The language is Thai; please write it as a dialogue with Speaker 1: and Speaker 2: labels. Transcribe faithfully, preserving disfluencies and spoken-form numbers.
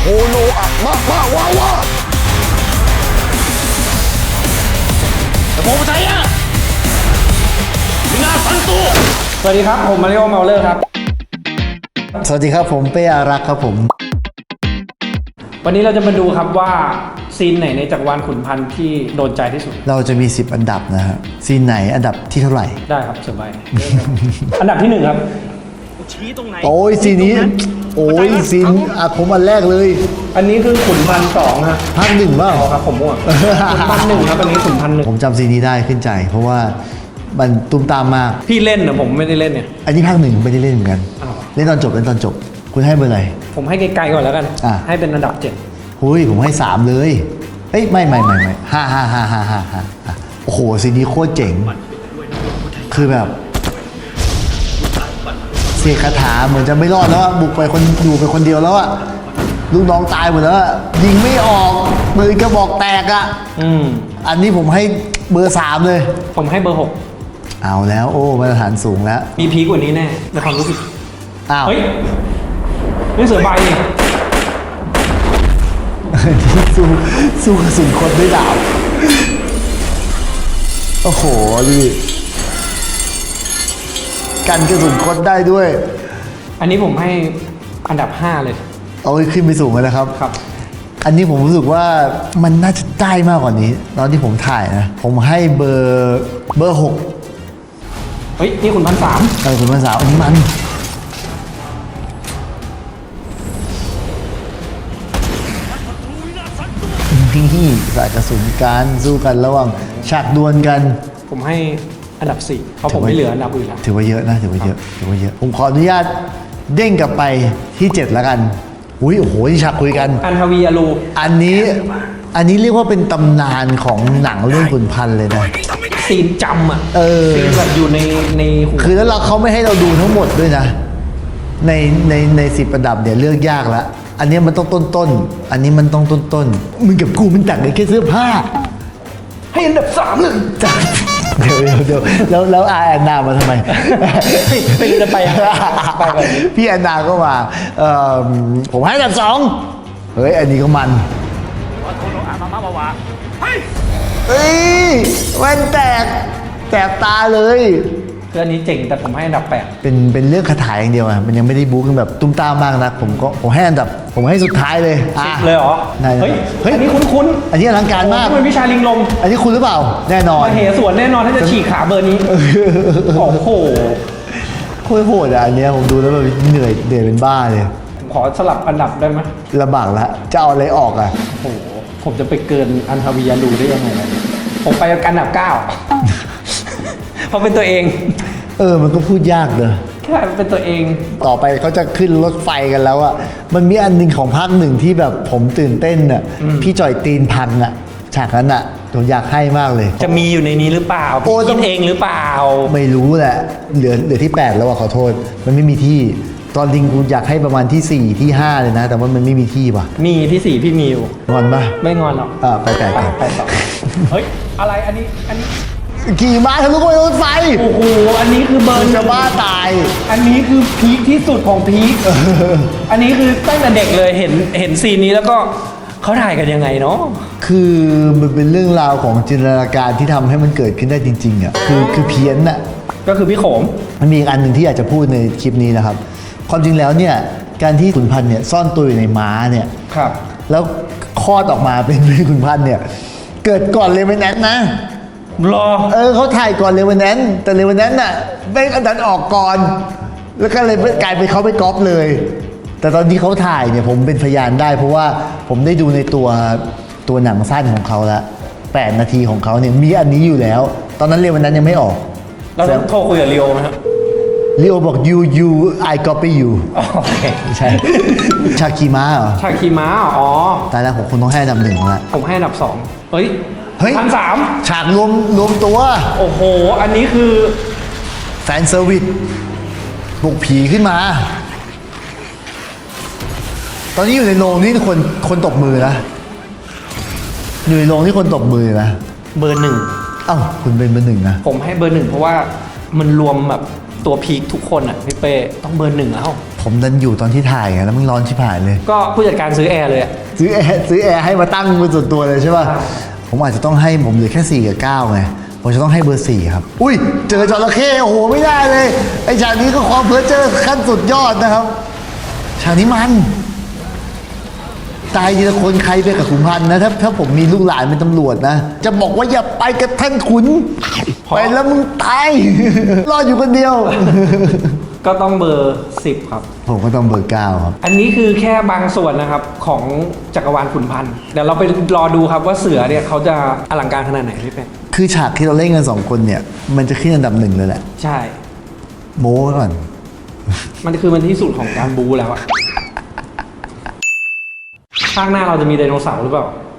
Speaker 1: โคโนอะมามาว้าวาแต่ผมใช่อะนาซันตุ
Speaker 2: สวัสดีครับผมมาริโอเมาเลอร์ครับ
Speaker 3: สวัสดีครับผมเป้อารักษ์ครับผม
Speaker 2: วันนี้เราจะมาดูครับว่าซีนไหนในจักรวาลขุนพันธ์ที่โดนใจที่สุด
Speaker 3: เราจะมีสิบอันดับนะฮะซีนไหนอันดับที่เท่าไหร่
Speaker 2: ได้ครับสบาย อันดับที่หนึ่งครับ
Speaker 1: ชี้ตรงไหน
Speaker 3: โอ้ยซีนนี้โอ้ยซีนอ่ะผมอันแรกเลย
Speaker 2: อันนี้คือขุนพันธ์สองฮะ
Speaker 3: ภาคหนึ่งบ้าง
Speaker 2: ครับผมมั่วขุนพันธ์หนึ่งครับอันนี้ขุนพันธ์หนึ่ง
Speaker 3: ผมจำซีนนี้ได้ขึ้นใจเพราะว่ามันตุ้มตามมาก
Speaker 2: พี่เล่นนะผมไม่ได้เล่นเนี่ย
Speaker 3: อันนี้ภาคหนึ่งไม่ได้เล่นเหมือนกันเล่นตอนจบเล่นตอนจบคุณให้เบอร์อะไร
Speaker 2: ผมให้ไกลๆก่อนแล้วกันให้เป็นอันดับเจ็ด
Speaker 3: หุยผมให้สามเลยเอ้ยไม่ไม่ไม่ไม่ห้าห้าห้าห้าห้าห้าโอ้โหซีนนี้โคตรเจ๋งคือแบบเสกคาถาเหมือนจะไม่รอดแล้วบุกไปคนอยู่ไปคนเดียวแล้วอะลูกน้องตายหมดแล้วยิงไม่ออกมือกระบอกแตกอะ
Speaker 2: อืม
Speaker 3: อันนี้ผมให้เบอร์สามเลย
Speaker 2: ผมให้เบอร์หก
Speaker 3: เอาแล้วโอ้มาตรฐานสูงแล้ว
Speaker 2: มีพีกกว่านี้แน่ในความรู้สึก
Speaker 3: อ้าว
Speaker 2: เฮ้ยนี่เสือใบนี่
Speaker 3: สู้สู้กระสุนคนด้วยดาบโอ้โหดิกันกระสุนคนได้ด้วย
Speaker 2: อันนี้ผมให้อันดับห้าเลย
Speaker 3: เอาขึ้นไปสูงเลยนะครับ
Speaker 2: ครับ
Speaker 3: อันนี้ผมรู้สึกว่ามันน่าจะได้มากกว่านี้ตอนที่ผมถ่ายนะผมให้เบอร์เบอร์หก
Speaker 2: เฮ้ยนี่คุณพันสาม
Speaker 3: เออคุณพันสามอันนี้มันนี่สายกระสุนการสู้กันระหว่างฉากดวลกัน
Speaker 2: ผมให้อันดับสี่เพราะผมไม่เหลืออันดับอื่นแล้ว
Speaker 3: ถือว่าเยอะนะถือว่าเยอะถือว่าเยอะผมขออนุญาตเด้งกลับไปที่เจ็ดแล้วกันอุ้ยโอ้โหที่ฉากคุยกัน
Speaker 2: อันทวีอลู
Speaker 3: อันนี้อันนี้เรียกว่าเป็นตำนานของหนังเรื่องขุนพันธ์เลยนะ
Speaker 2: ซีนจำอ่ะ
Speaker 3: เออ
Speaker 2: ซีนแบบอยู่ในใน
Speaker 3: คือแล้วเราเขาไม่ให้เราดูทั้งหมดด้วยนะในในในสิบอันดับเนี่ยเลือกยากแล้วอันนี้มันต้องต้นต้นอันนี้มันต้องต้นต้นมึงกับกูมันต่างกันแค่เสื้อผ้า
Speaker 2: ให้อันดับสามเลย
Speaker 3: เดี๋ยวเดี๋ยวเดี๋ยวแล้วแล้วอาแอนนามาทำไม
Speaker 2: ไปจะไปไปแบบนี้
Speaker 3: พี่แอนนาก็มาเอ่อผมให้อันดับสองเฮ้ยอันนี้ก็มันเฮ้ยแว่นแตกแตกตาเลย
Speaker 2: คืออันนี้เจ๋งแต่ผมให้อันดับแปด
Speaker 3: เป็นเป็นเรื่องคาถาอย่างเดียวอ่ะมันยังไม่ได้บู๊กันแบบตุ้มตามมากนะผมก็ผมให้อันดับผมให้สุดท้ายเลย
Speaker 2: อ่ะเลยเหรอเฮ้ยเฮ้ยอันนี้คุ้น
Speaker 3: ๆอันนี้อลังการมาก
Speaker 2: มันวิชาลิงลม
Speaker 3: อันนี้คุณหรือเปล่าแน่นอน
Speaker 2: มาเหสวนแน่นอนถ้าจะฉีกขาเบอร์นี้โอ้โห
Speaker 3: โคตรโหดอ่ะอันนี้ผมดูแล้วแบบเหนื่อยเหนื่อยเป็นบ้าเลย
Speaker 2: ผมขอสลับอันดับได้ไหม
Speaker 3: ลำบากละจะเอาอะไรออกอ่ะ
Speaker 2: โอ้โหผมจะไปเกินอันทวียาลูได้ยังไงผมไปอันดับเก้าเพราะเป็นตัวเอง
Speaker 3: เออมันก็พูดยากเลย
Speaker 2: แค่เป็นตัวเอง
Speaker 3: ต่อไปเขาจะขึ้นรถไฟกันแล้วอ่ะมันมีอันหนึ่งของภาคหนึ่งที่แบบผมตื่นเต้นอ่ะพี่จ่อยตีนพังอ่ะฉากนั้นอ่ะผมอยากให้มากเลย
Speaker 2: จะมีอยู่ในนี้หรือเปล่าพี่คิดเองหรือเปล่า
Speaker 3: ไม่รู้แหละเหลือเหลือที่แปดแล้วอ่ะขอโทษมันไม่มีที่ตอนลิงกูอยากให้ประมาณที่สี่ที่ห้าเลยนะแต่ว่ามันไม่มีที่ป่ะ
Speaker 2: มีที่สี่พี่มีอยู่
Speaker 3: งอนป่ะ
Speaker 2: ไม่งอนหรอก
Speaker 3: อ่าไปไป
Speaker 2: ไปต่อเฮ้ยอะไรอันนี้อันนี้
Speaker 3: ขี่ม้าทะลุไปรถไฟ
Speaker 2: โอ้โหอันนี้คือเบอร์
Speaker 3: จะบ้าตาย
Speaker 2: อันนี้คือพีคที่สุดของพีคอันนี้คือตั้งแต่เด็กเลยเห็นเห็นซีนนี้แล้วก็เขาถ่ายกันยังไงเนาะ
Speaker 3: คือมันเป็นเรื่องราวของจินตนาการที่ทำให้มันเกิดขึ้นได้จริงๆอ่ะคือคือเพี้ยนอ่ะ
Speaker 2: ก็คือพี่โขม
Speaker 3: มันมีอีกอันหนึ่งที่อยากจะพูดในคลิปนี้นะครับความจริงแล้วเนี่ยการที่ขุนพันธ์เนี่ยซ่อนตัวอยู่ในม้าเนี่ย
Speaker 2: ครับ
Speaker 3: แล้วคลอดออกมาเป็นขุนพันธ์เนี่ยเกิดก่อนเลเวนแนนนะ
Speaker 2: รอ
Speaker 3: เออเขาถ่ายก่อนเลเวนแนนแต่เลเวนแนนน่ะไม่อันดันออกก่อนแล้วก็เลยกลายเป็นเขาไปก๊อปเลยแต่ตอนที่เขาถ่ายเนี่ยผมเป็นพยานได้เพราะว่าผมได้ดูในตัวตัวหนังสั้นของเขาแล้วแปดนาทีของเขาเนี่ยมีอันนี้อยู่แล้วตอนนั้นเลเวนแนนยังไม่ออก
Speaker 2: เราต้องโทรคุยกับลีโอไหมครับ
Speaker 3: ลีโอบอก you you I copy you
Speaker 2: โอเค
Speaker 3: ใช่ชาคีม้าเหรอ
Speaker 2: ชาคีม้าอ๋อ
Speaker 3: ตายแล้วผมคงต้องให้อันดับหนึ่งแล้ว
Speaker 2: ผมให้อันดับสองเฮ้ย
Speaker 3: เฮ้ย
Speaker 2: พันสาม
Speaker 3: ฉากรวมรวมตัว
Speaker 2: โอ้โหอันนี้คือ
Speaker 3: แฟนเซอร์วิสบุกผีขึ้นมาตอนนี้อยู่ในโรงนี่คนคนตบมือนะอยู่ในโรงที่คนตบมือนะ
Speaker 2: เบอร์หนึ่ง
Speaker 3: เอ้าคุณเป็นเบอร์หนึ่งนะ
Speaker 2: ผมให้เบอร์หนึ่งเพราะว่ามันรวมแบบตัวพีคทุกคนอ่ะพี่เป้ต้องเบอร์หนึ่งแล้ว
Speaker 3: ผมดันอยู่ตอนที่ถ่ายไงแล้วมันร้อนชิบหายเลย
Speaker 2: ก็ผู้จัดการซื้อแอร์เลยอะ
Speaker 3: ซื้อแอร์ซื้อแอร์ให้มาตั้งเป็นส่วนตัวเลยใช่ป่ะ ผมอาจจะต้องให้ผมเหลือแค่สี่กับเก้าไง ผมจะต้องให้เบอร์สี่ครับ อุ้ย เจอจระเข้โอ้โห ไม่ได้เลย ไอ้ฉากนี้ก็ความเพ้อเจ้อขั้นสุดยอดนะครับ ฉากนี้มัน ตายทีละคนใครไปกับขุนพันธ์นะถ้าถ้าผมมีลูกหลานเป็นตำรวจนะ จะบอกว่าอย่าไปกับท่านขุน ไปแล้วมึงตาย รอดอยู่คนเดียว
Speaker 2: ก็ต้องเบอร์สิบครับ
Speaker 3: ผมก็ต้องเบอร์เก้าครับ
Speaker 2: อันนี้คือแค่บางส่วนนะครับของจักรวาลขุนพันธ์เดี๋ยวเราไปรอดูครับว่าเสือเนี่ยเขาจะอลังการขนาดไหนพี่เป็ด
Speaker 3: คือฉากที่เราเล่นกันสองคนเนี่ย มันจะขึ้นอันดับหนึ่งเลยแหละ
Speaker 2: ใช่
Speaker 3: โม้ไว้ก่อน
Speaker 2: มันคือมันที่สุดของการบูแล้วอะภาคหน้าเราจะมีไดโนเสาร์หรือเปล่า